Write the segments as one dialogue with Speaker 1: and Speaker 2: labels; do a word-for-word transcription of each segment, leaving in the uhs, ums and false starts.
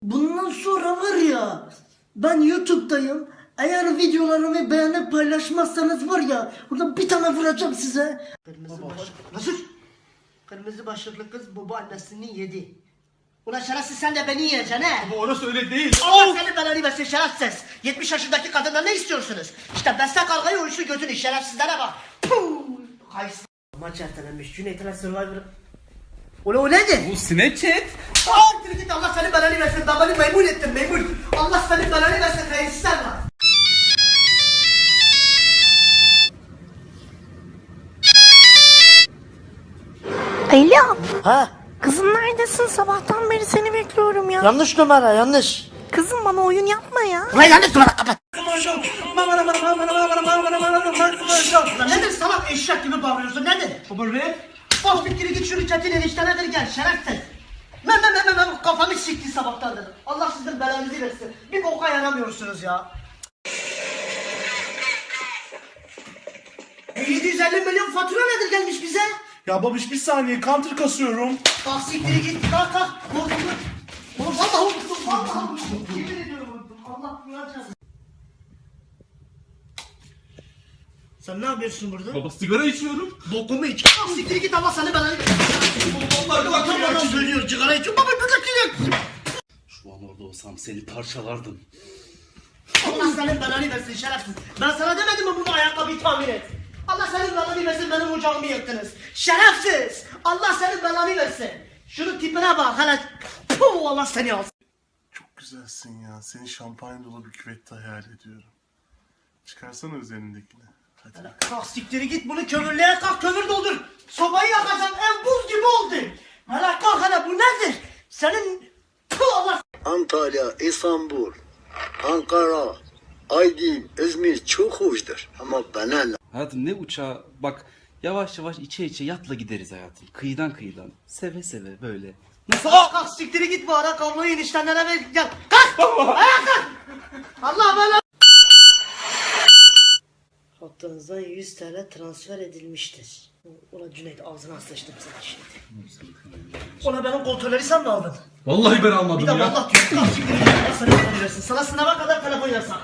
Speaker 1: Bundan sonra var ya, ben YouTube'dayım. Eğer videolarımı beğenip paylaşmazsanız var ya, burada bir tane vuracağım size. Kırmızı başlıklı. Nasıl? Kırmızı başlıklı kız baba annesini yedi. Ulan şerefsiz, sen de beni yiyeceksin he?
Speaker 2: Baba orası öyle değil.
Speaker 1: Allah senin belanı versin şerefsiz. yetmiş yaşındaki kadından ne istiyorsunuz? İşte besle kavgayı, uyuşu götünü, şerefsizlere bak. Puh! Kaysın. Maç ertelenmiş. Cüneyt'e Survivor. Ulan o nedir?
Speaker 2: Bu Snapchat.
Speaker 1: Aa, git Allah senin belanı versin. Ben beni memnun ettim, memnun. Allah senin belanı versin. Hayırsız sen var.
Speaker 3: Alo.
Speaker 1: Ha?
Speaker 3: Kızım neredesin? Sabahtan beri seni bekliyorum ya.
Speaker 1: Yanlış numara, yanlış.
Speaker 3: Kızım bana oyun yapma ya.
Speaker 1: Ulan yanlış numara, kapat. Lan nedir salak, eşek gibi bağırıyorsun, nedir?
Speaker 2: Baba rap.
Speaker 1: Bas bir kere git şunu çetin eniştene ver gel, şerefsiz. Ben ben ben ben kafamı sikti sabahtandır. Allah sizin belanızı versin. Bir boka yaramıyorsunuz ya. E, yedi yüz elli milyon fatura nedir gelmiş bize?
Speaker 2: Ya babiş bir saniye counter kasıyorum.
Speaker 1: Kalk siktiri git, kalk kalk. Vurdum. Oğlum vallahi vurdum, vallahi vurdum. Yemin ediyorum vurdum. Allah duyacağız. Sen ne yapıyorsun burada?
Speaker 2: Baba sigara içiyorum.
Speaker 1: Bokumu iç. Kalk siktiri git, Allah seni belanı versin.
Speaker 2: Vallahi bak
Speaker 1: Utanmadan söylüyor, sigara içiyor. Baba bir dakika.
Speaker 4: Şu an orada olsam seni parçalardım.
Speaker 1: Allah senin belanı versin şerefsiz. Ben sana demedim mi bunu ayakkabıyı tamir et? Allah senin belanı versin, benim ocağımı yaktınız. Şerefsiz. Allah senin belanı versin. Şunun tipine bak hele. Puh, Allah seni alsın.
Speaker 5: Çok güzelsin ya. Seni şampanya dolu bir küvette hayal ediyorum. Çıkarsana üzerindekini. Hadi.
Speaker 1: Kalk siktiri git, bunu kömürlüğe kalk, kömür doldur. Sobayı yakacağım, ev buz gibi oldu. Hele kalk hele, bu nedir? Senin... Puh, Allah...
Speaker 6: Antalya, İstanbul, Ankara, Aydın, İzmir çok hoştur. Ama bana ne?
Speaker 4: Hayatım ne uçağı bak yavaş yavaş içe içe yatla gideriz hayatım. Kıyıdan kıyıdan. Seve seve böyle. Nasıl?
Speaker 1: Kalk kalk siktiri git, bu ara kabloyu eniştenlere ver gel. Kalk! Ayağa kalk! Allah bela... Hattınızdan yüz T L transfer edilmiştir. Ulan Cüneyt, ağzına sıçtım sana şimdi. Ulan benim kontrolleri sen mi aldın?
Speaker 2: Vallahi ben almadım
Speaker 1: Bir de
Speaker 2: ya.
Speaker 1: vallahi diyorum. Kalk siktiri git, Allah sana telefon versin. Sana sınava kadar telefon yasak.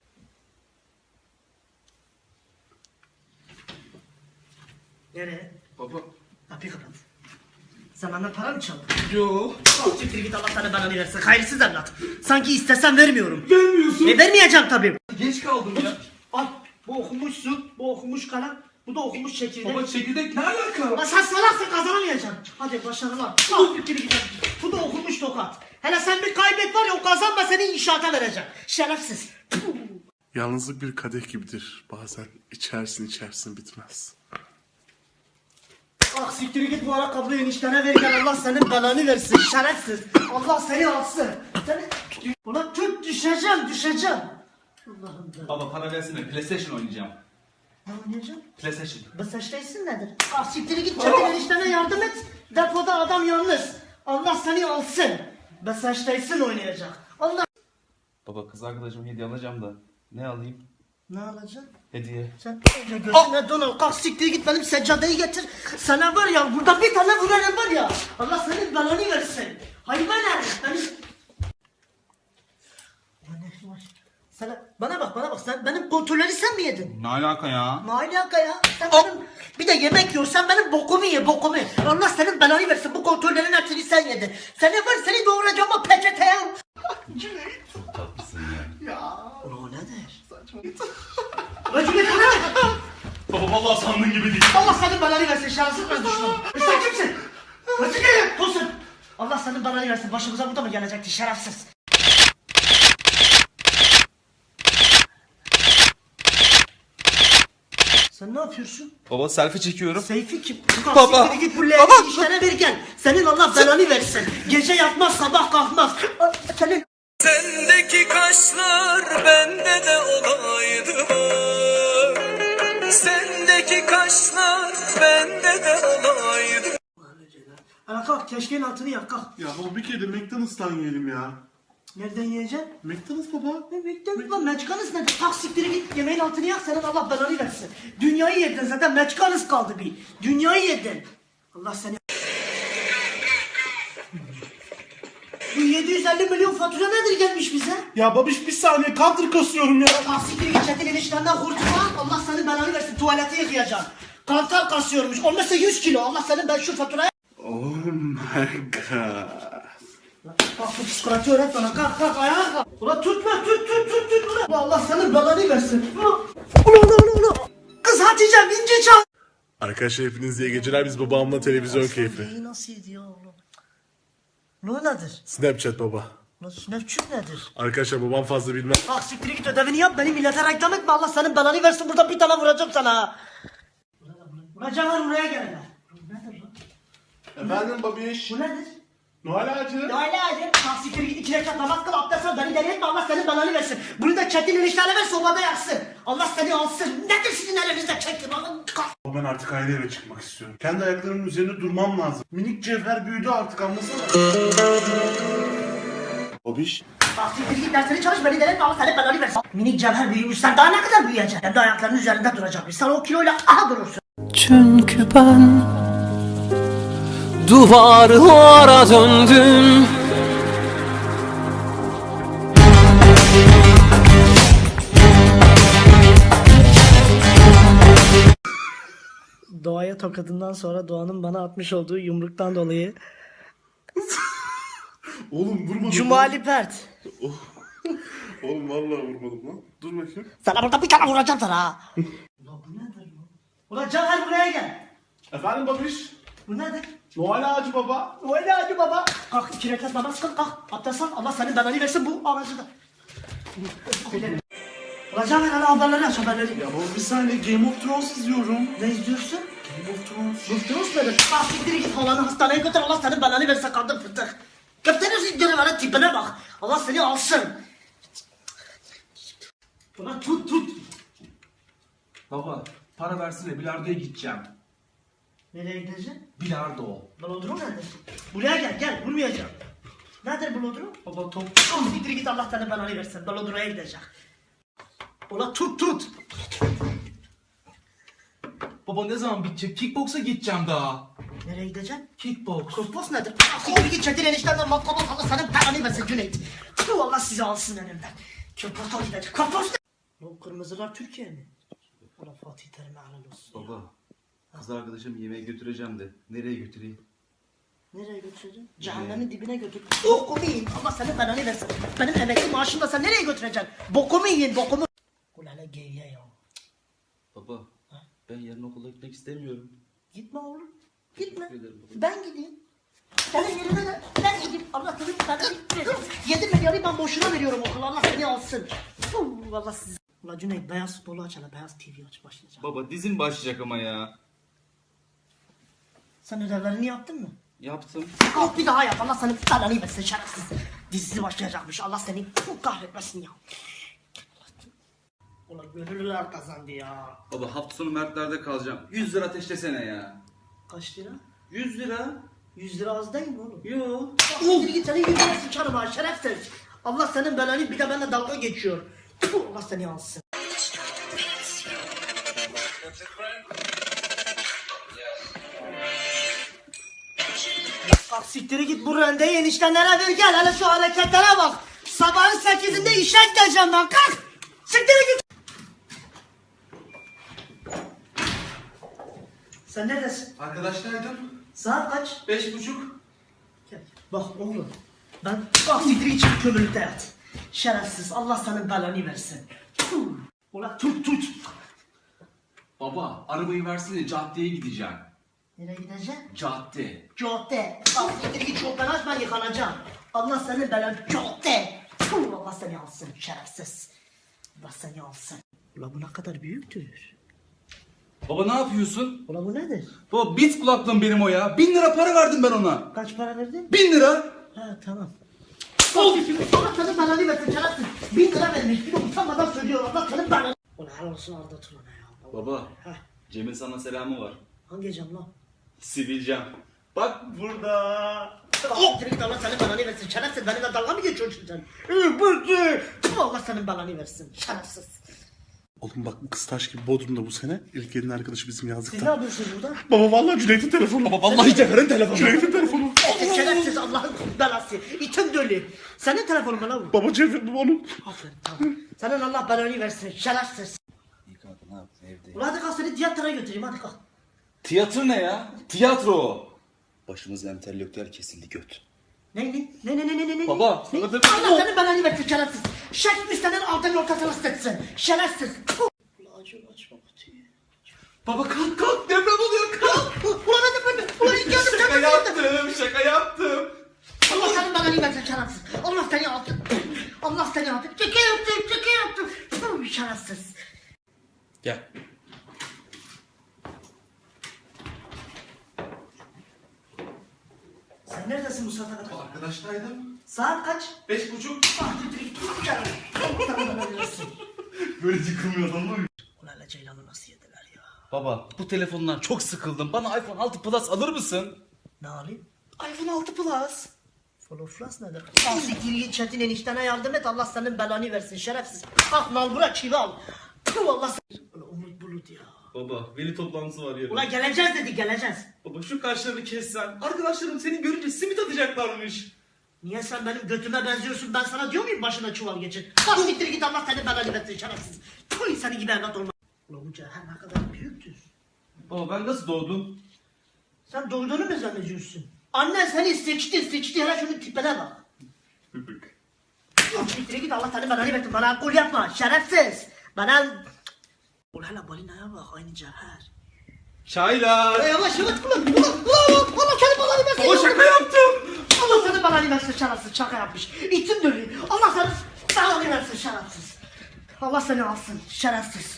Speaker 1: Nereye?
Speaker 2: Baba.
Speaker 1: Kapıyı kapat. Sen benden para mı çaldın?
Speaker 2: Yo.
Speaker 1: Kalk siktir git, Allah sana belanı versin. Hayırsız evlat. Sanki istesem vermiyorum.
Speaker 2: Vermiyorsun.
Speaker 1: E vermeyeceğim tabii.
Speaker 2: Geç kaldım ya.
Speaker 1: Al, bu okumuş su, bu okumuş kalem, bu da okumuş çekirdek.
Speaker 2: Baba çekirdek ne alaka?
Speaker 1: Lan sen salaksın, kazanamayacaksın. Hadi başarılar. Kalk siktir git. Bu da okumuş tokat. Hele sen bir kaybet var ya, o kazanma, seni inşaata vereceğim. Şerefsiz. Puh.
Speaker 5: Yalnızlık bir kadeh gibidir. Bazen içersin içersin bitmez.
Speaker 1: Ah siktir git, bu ara kabloyu eniştene ver gel, Allah senin belanı versin şerefsiz. Allah seni alsın. Seni... Ulan tut, düşeceğim düşeceğim. Allah'ım da.
Speaker 2: Baba para versene PlayStation oynayacağım.
Speaker 1: Ne oynayacağım?
Speaker 2: PlayStation.
Speaker 1: Bu saçtaysın nedir? Ah siktir git, çetin eniştene yardım et. Depoda adam yalnız. Allah seni alsın. Bu saçtaysın oynayacak. Allah.
Speaker 4: Baba kız arkadaşıma hediye alacağım da. Ne alayım?
Speaker 1: Ne alacaksın?
Speaker 4: Hediye.
Speaker 1: Sen önce gözüne don al, kalk siktir git, benim seccadeyi getir. Sana var ya, burada bir tane vurarım var ya. Allah senin belanı versin. Hayvan herif, benim... Ulan ne var? Sana, bana bak bana bak, sen benim kontrolleri sen mi yedin?
Speaker 2: Ne alaka ya?
Speaker 1: Ne alaka ya? Sen benim, bir de yemek yiyorsan benim bokumu ye, bokumu. Allah senin belanı versin, bu kontrollerin hepsini sen yedin. Seni var, seni doğuracağım o peçeteye.
Speaker 4: Çok tatlısın ya.
Speaker 1: Ulan o nedir? Ulan Cüneyt, o ne?
Speaker 2: Baba vallahi sandığın gibi değil.
Speaker 1: Allah senin belanı versin şerefsiz ben düşmanım. Sen kimsin? Hadi gelin tosun. Allah senin belanı versin, başımıza bu da mı gelecekti şerefsiz? Sen ne yapıyorsun?
Speaker 4: Baba selfie çekiyorum.
Speaker 1: Seyfi kim?
Speaker 4: Baba.
Speaker 1: Siktir git bu leğeni işlere ver gel. Senin Allah belanı versin. Gece yatmaz, sabah kalkmaz. Senin...
Speaker 7: Sendeki kaşlar bende de olaydı mı? Sendeki kaşlar bende de olaydı.
Speaker 1: Ana kalk, keşkeğin altını yak kalk.
Speaker 5: Ya baba bir kere de McDonald's'tan yiyelim ya.
Speaker 1: Nereden yiyeceksin?
Speaker 5: McDonald's baba.
Speaker 1: Ne McDonald's lan, Meçkanız ne? Tak siktiri git, yemeğin altını yak, senin Allah belanı versin. Dünyayı yedin zaten, Meçkanız kaldı bir. Dünyayı yedin. Allah seni... Bu yedi yüz elli milyon fatura nedir gelmiş bize?
Speaker 5: Ya babiş bir saniye counter kasıyorum ya.
Speaker 1: Taksikleri geçetin eniştenden kurtulan Allah senin belanı versin tuvaleti yıkayacaksın. Kantar kasıyormuş. Olmazsa yüz kilo. Allah senin ben şu faturaya...
Speaker 5: Oh my god.
Speaker 1: Kalk bu psikoloji öğret bana. Kalk kalk ayağa kalk. Ulan tutma tut tut tut tut. Ulan Ulan Allah senin belanı versin. Ulan ulan ulan ulan. Kız Hatice vinci çal.
Speaker 5: Arkadaşlar hepiniz iyi geceler. Biz babamla televizyon keyfi.
Speaker 1: Neyi nasıl ediyor oğlum? Ne nedir?
Speaker 5: Snapchat baba.
Speaker 1: Lan Snapchat nedir?
Speaker 5: Arkadaşlar babam fazla bilmez.
Speaker 1: Bak siktir git ödevini yap beni millete reklam etme Allah senin belanı versin burada bir tane vuracağım sana. Vuracağım buraya gel hele. Bu nedir lan?
Speaker 5: Efendim babiş.
Speaker 1: Bu nedir?
Speaker 5: Noel ağacı.
Speaker 1: Ya öyle hadi. Bak siktir git iki rekat namaz kıl abdest al beni deli etme Allah senin belanı versin. Bunu da çetin enişlerle ver sobada yaksın. Allah seni alsın. Nedir sizin elinizde çetin?
Speaker 5: Ben artık ayrı eve çıkmak istiyorum. Kendi ayaklarımın üzerinde durmam lazım. Minik cevher büyüdü artık anlasana. Babiş.
Speaker 1: Bak siktir git dersini çalış beni deli etme Allah senin belanı versin. Minik cevher büyümüş sen daha ne kadar büyüyeceksin? Kendi ayaklarının üzerinde duracakmış. Sen o kiloyla aha durursun.
Speaker 7: Çünkü ben duvarlara döndüm.
Speaker 1: Doğaya tokadından sonra Doğan'ın bana atmış olduğu yumruktan dolayı
Speaker 5: Oğlum vurmadım.
Speaker 1: Cumali Pert.
Speaker 5: Oğlum vallahi vurmadım lan. Dur bakayım.
Speaker 1: Sana burada bir tane vuracağım sana ha. Ulan bu nedir lan? Ulan Caner buraya gel.
Speaker 5: Efendim babiş.
Speaker 1: Bu nedir?
Speaker 5: Noel ağacı baba.
Speaker 1: Öyle hadi baba. Kalk iki rekat namaz kıl kalk. Abdest al Allah senin belanı versin bu ağacı da. Ulan Caner hala haberleri aç haberleri.
Speaker 5: Ya baba bir saniye Game of Thrones izliyorum.
Speaker 1: Ne izliyorsun?
Speaker 5: Game of Thrones.
Speaker 1: Bıktınız mı? Ah siktir git halanı hastaneye götür Allah senin belanı versin kadın fıtık. Götürürsün canavarın tipine bak. Allah seni alsın. Ulan tut tut.
Speaker 2: Baba para versene bilardoya gideceğim.
Speaker 1: Nereye gideceksin?
Speaker 2: Bilardo.
Speaker 1: Blodrum nedir? Buraya gel gel vurmayacağım. Nedir blodrum?
Speaker 2: Baba top.
Speaker 1: Ah siktir git Allah senin belanı versin. Blodrum'a gidecek. Ulan tut tut.
Speaker 2: Baba ne zaman bitecek? Kickboksa gideceğim daha.
Speaker 1: Nereye gideceksin?
Speaker 2: Kickboks.
Speaker 1: Kosmos nedir? Ah siktir git çetin eniştemden matkabı Allah senin belanı versin Cüneyt. Tüh Allah sizi alsın elimden. Köpata gidecek. Kosmos ne? Bu kırmızılar Türkiye mi? Allah Fatih Terim'e helal olsun.
Speaker 4: Baba, kız arkadaşım yemeğe götüreceğim de nereye götüreyim?
Speaker 1: Nereye götüreceksin? Cehennemin dibine götür. Bokumu yiyin. Allah senin belanı versin. Benim emekli maaşımla sen nereye götüreceksin? Bokumu yiyin bokumu. Ulan ne geyiğe ya.
Speaker 4: Baba, ben yarın okula gitmek istemiyorum.
Speaker 1: Gitme oğlum. Gitme.
Speaker 4: Teşekkür ederim baba.
Speaker 1: Ben gideyim. Senin yerine de ben gideyim. Allah seni belanı versin. Yedi milyarı ben boşuna veriyorum okula. Allah seni alsın. Fuh, Allah sizi. Ulan Cüneyt beyaz futbolu aç hele. Beyaz T V aç başlayacak.
Speaker 4: Baba dizin başlayacak ama ya.
Speaker 1: Sen ödevlerini yaptın mı?
Speaker 4: Yaptım.
Speaker 1: Kalk bir daha yap. Allah senin belanı versin şerefsiz. Dizisi başlayacakmış. Allah seni puh, kahretmesin ya. Ulan gönüllüler kazandı ya.
Speaker 4: Baba hafta sonu Mertler'de kalacağım. yüz lira ateşlesene ya.
Speaker 1: Kaç lira?
Speaker 4: yüz lira?
Speaker 1: yüz lira az değil mi oğlum?
Speaker 4: Yo.
Speaker 1: Siktir git senin yüzüne sıçarım ha şerefsiz. Allah senin belanı bir de benimle dalga geçiyor. Puh, Allah seni alsın. Bak siktiri git bu rendeyi eniştenlere ver gel hele şu hareketlere bak. Sabahın sekizinde işe gideceğim ben kalk. Siktiri git. Sen neredesin?
Speaker 2: Arkadaşlardım.
Speaker 1: Saat kaç?
Speaker 2: Beş buçuk.
Speaker 1: Gel. Bak oğlum ben bak siktir için kömürlükte yat. Şerefsiz Allah senin belanı versin. Puh. Ulan tut tut.
Speaker 2: Baba arabayı versene caddeye gideceğim.
Speaker 1: Nereye gideceksin?
Speaker 2: Cadde.
Speaker 1: Cadde. Bak siktir git çoktan aç ben yıkanacağım. Allah senin belanı cadde. Puh, Allah seni alsın şerefsiz. Allah seni alsın. Ulan bu ne kadar büyüktür.
Speaker 4: Baba ne yapıyorsun?
Speaker 1: Ulan bu nedir?
Speaker 4: Baba bit kulaklığım benim o ya. Bin lira para verdim ben ona.
Speaker 1: Kaç para verdin?
Speaker 4: Bin lira.
Speaker 1: Ha tamam. Oldu şimdi Allah senin belanı versin şerefsiz. Bin lira vermiş bir de utanmadan söylüyor Allah senin belanı. Ulan helal olsun Arda Turan'a ya.
Speaker 4: Baba,
Speaker 1: Heh.
Speaker 4: Cem'in sana selamı var.
Speaker 1: Hangi cam lan?
Speaker 4: Sivilcem. Bak burada.
Speaker 1: Oh! Git Allah senin belanı versin şerefsiz benimle dalga mı geçiyorsun sen? Ee bıktı. Allah senin belanı versin şerefsiz.
Speaker 5: Oğlum bak kız taş gibi Bodrum'da bu sene. İlk gelin arkadaşı bizim
Speaker 1: Siz ne
Speaker 5: yazlıkta.
Speaker 1: yapıyorsunuz burada?
Speaker 5: Baba vallahi Cüneyt'in telefonu. Baba vallahi Cevher'in telefonu. Cüneyt'in telefonu.
Speaker 1: Şerefsiz Allah'ın belası. İtim dölü. Senin telefonun mu lan bu?
Speaker 5: Baba çevirdim onu.
Speaker 1: Aferin tamam. Senin Allah belanı versin. Şerefsiz.
Speaker 4: İyi kanka ne yaptın evde?
Speaker 1: Ulan hadi kalk seni tiyatroya götüreyim hadi kalk.
Speaker 4: Tiyatro ne ya? Tiyatro. Başımız entelektüel kesildi göt.
Speaker 1: Ne ne ne ne ne ne ne ne?
Speaker 4: Baba,
Speaker 1: Ne?
Speaker 4: sana dedim-
Speaker 1: Allah senin belanı versin şerefsiz. Şerefsiz senin altın ortasını ısıtsın. Şerefsiz. Ulan acı açma kutuyu.
Speaker 2: Baba kalk kalk deprem oluyor kalk.
Speaker 1: Ulan hadi böyle. Ulan iki adım
Speaker 2: Şaka
Speaker 1: çabuk yaptım.
Speaker 2: yaptım şaka yaptım.
Speaker 1: Allah senin belanı versin şerefsiz. Allah seni alsın. Allah seni alsın. Çeke yaptım çeke yaptım. Puh, şerefsiz.
Speaker 4: Gel.
Speaker 1: Sen neredesin bu saate kadar?
Speaker 2: Arkadaştaydım.
Speaker 1: Saat kaç?
Speaker 2: Beş buçuk.
Speaker 1: Ah tütürük tut canım. Allah sana belanı versin.
Speaker 5: Böyle yıkılmıyor adam mı?
Speaker 1: Ulan hele Ceylan'ı nasıl yediler ya?
Speaker 4: Baba bu telefondan çok sıkıldım. Bana iPhone altı Plus alır mısın?
Speaker 1: Ne alayım?
Speaker 4: iPhone altı Plus.
Speaker 1: Follow Plus nedir? Al siktir git Çetin eniştene yardım et Allah senin belanı versin şerefsiz. Kalk nal bırak çivi al. Puh Allah seni. Ulan Umut Bulut ya.
Speaker 2: Baba veli toplantısı var yarın.
Speaker 1: Ulan geleceğiz dedi geleceğiz.
Speaker 2: Baba şu kaşlarını kessen. Arkadaşlarım seni görünce simit atacaklarmış.
Speaker 1: Niye sen benim götüme benziyorsun ben sana diyor muyum başına çuval geçir. Kalk siktir git Allah senin belanı versin şerefsiz. Puh seni gibi evlat olma. Ulan bu cehennem ne kadar büyüktür.
Speaker 4: Baba ben nasıl doğdum?
Speaker 1: Sen doğduğunu mu zannediyorsun? Annen seni seçti seçti hele şunun tipine bak. Lan siktir git Allah senin belanı versin bana alkol yapma şerefsiz. Bana... Ulan hele balinaya bak aynı cevher.
Speaker 2: Çaylar.
Speaker 1: Ya yavaş yavaş ulan ulan ulan Allah senin belanı versin.
Speaker 2: Baba şaka yaptım.
Speaker 1: Allah senin belanı versin şerefsiz şaka yapmış. İçim dönüyor. Allah senin belanı versin şerefsiz. Allah seni alsın şerefsiz.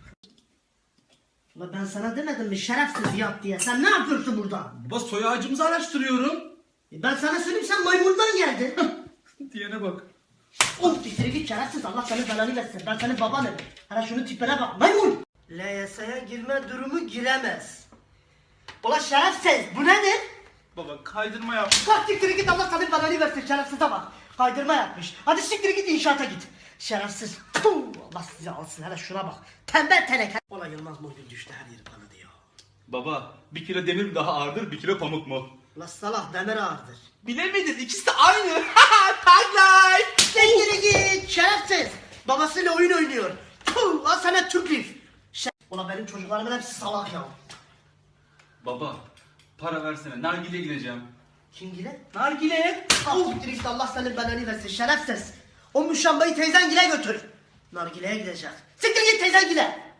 Speaker 1: Ulan ben sana demedim mi şerefsiz yap diye. Sen ne yapıyorsun burada?
Speaker 2: Baba soy ağacımızı araştırıyorum.
Speaker 1: E ben sana söyleyeyim sen maymundan geldin.
Speaker 2: Diyene bak.
Speaker 1: Of dikleri git şerefsiz Allah senin belanı versin. Ben senin babanım. Hala şunun tipine bak maymun. L Y S'ye girme durumu giremez. Ulan şerefsiz bu nedir?
Speaker 2: Baba kaydırma yap.
Speaker 1: Kalk siktir git Allah senin belanı versin şerefsize bak. Kaydırma yapmış. Hadi siktir git inşaata git. Şerefsiz. Puh, Allah sizi alsın hele şuna bak. Tembel teneke. Ulan Yılmaz Morgül düştü her yeri kanadı ya.
Speaker 2: Baba bir kilo demir mi daha ağırdır bir kilo pamuk mu?
Speaker 1: Ulan salak demir ağırdır.
Speaker 2: Bilemedin ikisi de aynı. Tag life.
Speaker 1: Siktir git şerefsiz. Babasıyla oyun oynuyor. Puh, lan sana tüklif. Şer... Ulan benim çocuklarımın hepsi salak ya.
Speaker 4: Baba para versene nargileye gideceğim.
Speaker 1: Kim gile? Nargile. Al siktir git Allah senin belanı versin şerefsiz. O müşambayı teyzen gile götür. Nargile'ye gidecek. Siktir git teyzen gile.